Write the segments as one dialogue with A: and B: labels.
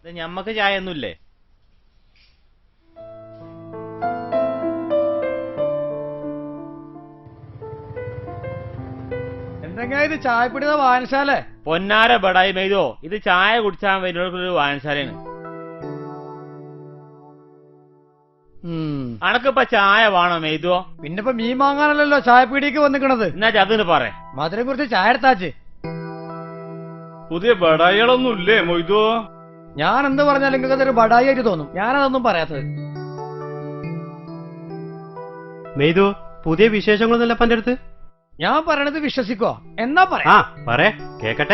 A: ഞമ്മക്ക് ചായ ഒന്നുമില്ലേ?
B: എന്തെങ്കിലും ഇത് ചായപ്പിടുന്ന വായനശാല?
A: പൊന്നാര ബടായി മെയ്തോ, ഇത് ചായ കുടിച്ചാൻ വരുന്നൊരു വായനശാലയാണ്. അനക്കിപ്പ ചായ വേണോ മെയ്തോ?
B: പിന്നിപ്പോ മീൻ വാങ്ങാനല്ലോ ചായപ്പീടിക്ക് വന്നിക്കണത്.
A: എന്നാ അതിന് പറ,
B: മധുരം കുറിച്ച് ചായ എടുത്താച്ച്.
C: പുതിയ ബടായികളൊന്നും ഇല്ലേ മൊയ്തോ?
B: ഞാൻ എന്ത് പറഞ്ഞാലും നിങ്ങൾക്ക് അതൊരു ബടായി ആയിട്ട് തോന്നും. ഞാനതൊന്നും പറയാത്തത്.
D: മെയ്തു, പുതിയ വിശേഷങ്ങളൊന്നുമല്ല പന്റെ അടുത്ത്?
B: ഞാൻ പറയണത് വിശ്വസിക്കോ? എന്നാ പറയാ
D: കേക്കട്ടെ.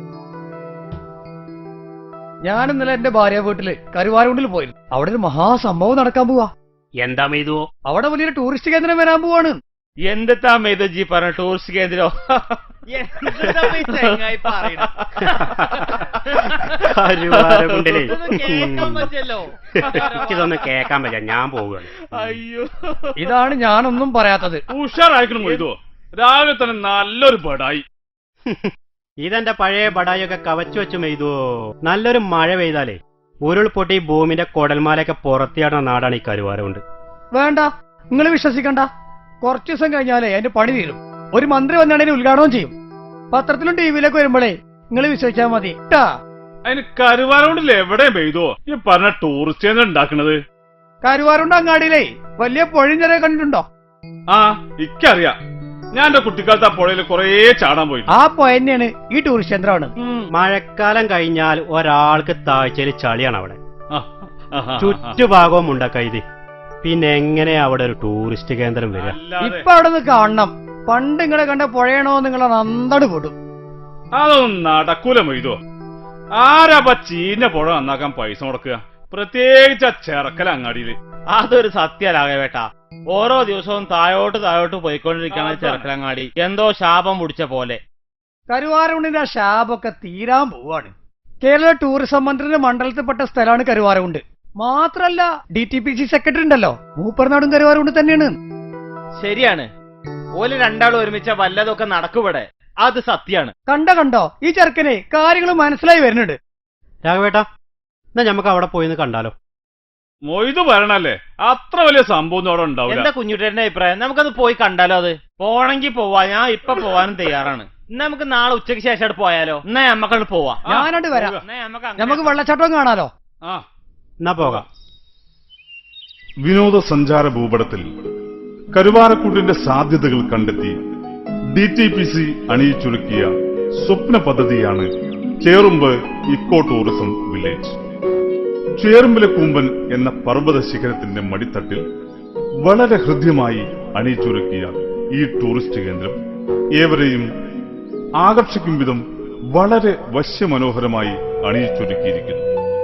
B: ഞാൻ ഇന്നലെ എന്റെ ഭാര്യ വീട്ടില് കരുവാരകുണ്ടിൽ പോയിരുന്നു. അവിടെ ഒരു മഹാസംഭവം നടക്കാൻ പോവാ.
D: എന്താ മെയ്തു?
B: അവിടെ വലിയൊരു ടൂറിസ്റ്റ് കേന്ദ്രം വരാൻ പോവാണ്.
A: എന്തെത്താ മെയ്തോ ജി പറഞ്ഞ ടൂറിസ്റ്റ് കേന്ദ്രോ?
D: ഇതൊന്നും കേക്കാൻ പറ്റില്ല, ഞാൻ പോവുകയാണ്.
A: അയ്യോ,
B: ഇതാണ് ഞാനൊന്നും പറയാത്തത്.
C: ഉഷാറായിക്കണം മൊയ്തോ, രാവിലെ തന്നെ നല്ലൊരു ബടായി.
D: ഇതെന്റെ പഴയ ബടായൊക്കെ കവച്ചു വെച്ചു മെയ്തു. നല്ലൊരു മഴ പെയ്താലേ ഉരുൾപൊട്ടി ഭൂമിന്റെ കൊടൽമാലയൊക്കെ പുറത്തിയാടുന്ന നാടാണ് ഈ കരുവാരകുണ്ട്.
B: വേണ്ട, നിങ്ങൾ വിശ്വസിക്കണ്ട. കുറച്ചു ദിവസം കഴിഞ്ഞാലേ അതിന്റെ പണി തീരും. ഒരു മന്ത്രി വന്നാണ് അതിന് ഉദ്ഘാടനം ചെയ്യും. പത്രത്തിലും ടിവിയിലൊക്കെ വരുമ്പോഴേ നിങ്ങൾ വിശ്വസിച്ചാൽ മതി.
C: അതിന് കരുവാരകുണ്ടിൽ എവിടെ മെയ്തോ ഈ പറഞ്ഞ ടൂറിസ്റ്റ് കേന്ദ്രം ഉണ്ടാക്കണത്?
B: കരുവാരുണ്ട് അങ്ങാടിയിലേ വലിയ പൊഴിഞ്ഞരെ കണ്ടിട്ടുണ്ടോ?
C: ആ, ഇക്കറിയാം. ഞാൻ എന്റെ കുട്ടിക്കാലത്ത് ആ പുഴയിൽ കൊറേ ചാടാൻ പോയി.
B: ആ പുഴ തന്നെയാണ് ഈ ടൂറിസ്റ്റ് കേന്ദ്രമാണ്.
D: മഴക്കാലം കഴിഞ്ഞാൽ ഒരാൾക്ക് താഴ്ചയിൽ ചളിയാണ് അവിടെ. ചുറ്റുഭാഗവും മുണ്ടക്കൈതി. പിന്നെ എങ്ങനെയാ അവിടെ ഒരു ടൂറിസ്റ്റ് കേന്ദ്രം വരിക?
B: ഇപ്പൊ അവിടെ നിന്ന് കാണണം. പണ്ട് നിങ്ങളെ കണ്ട പുഴയണോ നിങ്ങളെ നന്ദട് പൊടും.
C: അതൊന്നും നടക്കൂല മൊയ്തോ. ആരാപ്പ ചീഞ്ഞ പുഴ നന്നാക്കാൻ പൈസ മുടക്കുക? പ്രത്യേകിച്ച് ആ ചെറക്കല അങ്ങാടിയില്.
A: അതൊരു സത്യലാകേട്ടാ. ഓരോ ദിവസവും താഴോട്ട് പോയിക്കൊണ്ടിരിക്കണ ചെറുക്കലങ്ങാടി എന്തോ ശാപം മുടിച്ച പോലെ.
B: കരുവാരകുണ്ടിന്റെ ആ ശാപൊക്കെ തീരാൻ പോവാണ്. കേരള ടൂറിസം മന്ത്രിയുടെ മണ്ഡലത്തിൽപ്പെട്ട സ്ഥലമാണ് കരുവാരകുണ്ട്. മാത്രല്ല DTPC സെക്രട്ടറി ഉണ്ടല്ലോ, മൂപ്പർനാടും കരുവാരകുണ്ട് തന്നെയാണ്.
A: ശരിയാണ്, ഓല് രണ്ടാളും ഒരുമിച്ച വല്ലതൊക്കെ നടക്കുവിടെ. അത് സത്യാണ്.
B: കണ്ടോ ഈ ചെറുക്കനെ കാര്യങ്ങൾ മനസ്സിലായി വരുന്നുണ്ട്.
D: രാഘവേട്ടാ, എന്നാ നമുക്ക് അവിടെ പോയിന്ന് കണ്ടാലോ?
C: മൊയ്തു പറയണല്ലേ, അത്ര വലിയ സംഭവം അവിടെ ഉണ്ടാവില്ല.
A: എന്താ കുഞ്ഞുട്ടേന്റെ അഭിപ്രായം? നമുക്കത് പോയി കണ്ടാലോ? അത് പോണെങ്കിൽ പോവാ, ഞാൻ ഇപ്പൊ പോവാനും തയ്യാറാണ്. എന്നാ നമുക്ക് നാളെ ഉച്ചയ്ക്ക് ശേഷം പോയാലോ? എന്നാ നമ്മക്കത് പോവാ.
B: ഞാനോട് വരാം. നമുക്ക് വെള്ളച്ചാട്ടം കാണാലോ?
D: എന്നാ പോകാം.
E: വിനോദസഞ്ചാര ഭൂപടത്തിൽ കരുവാരക്കുണ്ടിന്റെ സാധ്യതകൾ കണ്ടെത്തി DTPC അണിയിച്ചൊരുക്കിയ സ്വപ്ന പദ്ധതിയാണ് ചേറുമ്പ് ഇക്കോ ടൂറിസം വില്ലേജ്. ചേറുമ്പിലെ കൂമ്പൻ എന്ന പർവ്വത ശിഖരത്തിന്റെ മടിത്തട്ടിൽ വളരെ ഹൃദ്യമായി അണിയിച്ചൊരുക്കിയ ഈ ടൂറിസ്റ്റ് കേന്ദ്രം ഏവരെയും ആകർഷിക്കും വിധം വളരെ വശ്യമനോഹരമായി അണിയിച്ചൊരുക്കിയിരിക്കുന്നു.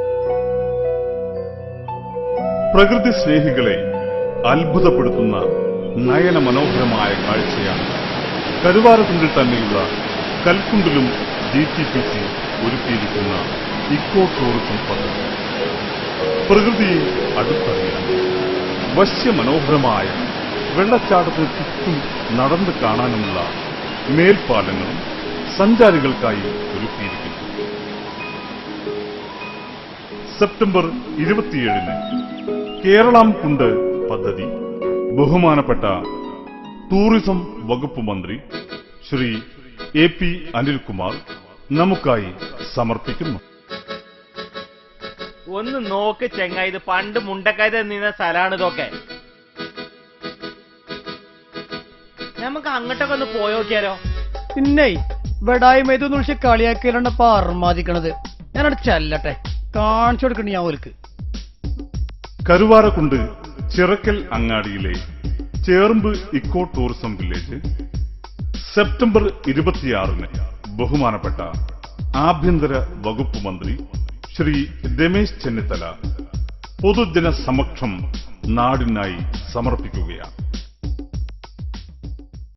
E: പ്രകൃതി സ്നേഹികളെ അത്ഭുതപ്പെടുത്തുന്ന നയന മനോഹരമായ കാഴ്ചയാണ് കരുവാരക്കുണ്ടിൽ തന്നെയുള്ള കൽക്കുണ്ടിലും DTPC ഒരുക്കിയിരിക്കുന്ന ഇക്കോ ടൂറിസം പദ്ധതി. പ്രകൃതിയെ അടുത്തറിയാൻ വശ്യമനോഹരമായ വെള്ളച്ചാട്ടത്തിന് ചുറ്റും നടന്നു കാണാനുമുള്ള മേൽപ്പാലങ്ങളും സഞ്ചാരികൾക്കായി ഒരുക്കിയിരിക്കുന്നു. സെപ്റ്റംബർ 27-ന് കേരളം കുണ്ട് പദ്ധതി ബഹുമാനപ്പെട്ട ടൂറിസം വകുപ്പ് മന്ത്രി ശ്രീ AP അനിൽകുമാർ നമുക്കായി സമർപ്പിക്കുന്നു.
A: ഒന്ന് നോക്ക് ചെങ്ങ, ഇത് പണ്ട് മുണ്ടക്കായത് നിന്ന സ്ഥലമാണ് ഇതൊക്കെ. നമുക്ക് അങ്ങോട്ടൊക്കെ ഒന്ന് പോയോക്കിയാലോ?
B: പിന്നെ വെടായി മെയ്തൊന്ന് വിളിച്ച് കളിയാക്കിയാലുണ്ടപ്പ അർമാദിക്കണത്. ഞാനവിടെ ചെല്ലട്ടെ, കാണിച്ചു കൊടുക്കണ്ട ഞാൻ ഓൽക്ക്.
E: കരുവാരക്കുണ്ട് ചിറക്കൽ അങ്ങാടിയിലെ Cherumbu eco tourism village September 26-ന് ബഹുമാനപ്പെട്ട ആഭ്യന്തര വകുപ്പ് മന്ത്രി ശ്രീ രമേശ് ചെന്നിത്തല പൊതുജന സമക്ഷം നാടിനായി സമർപ്പിക്കുകയാണ്.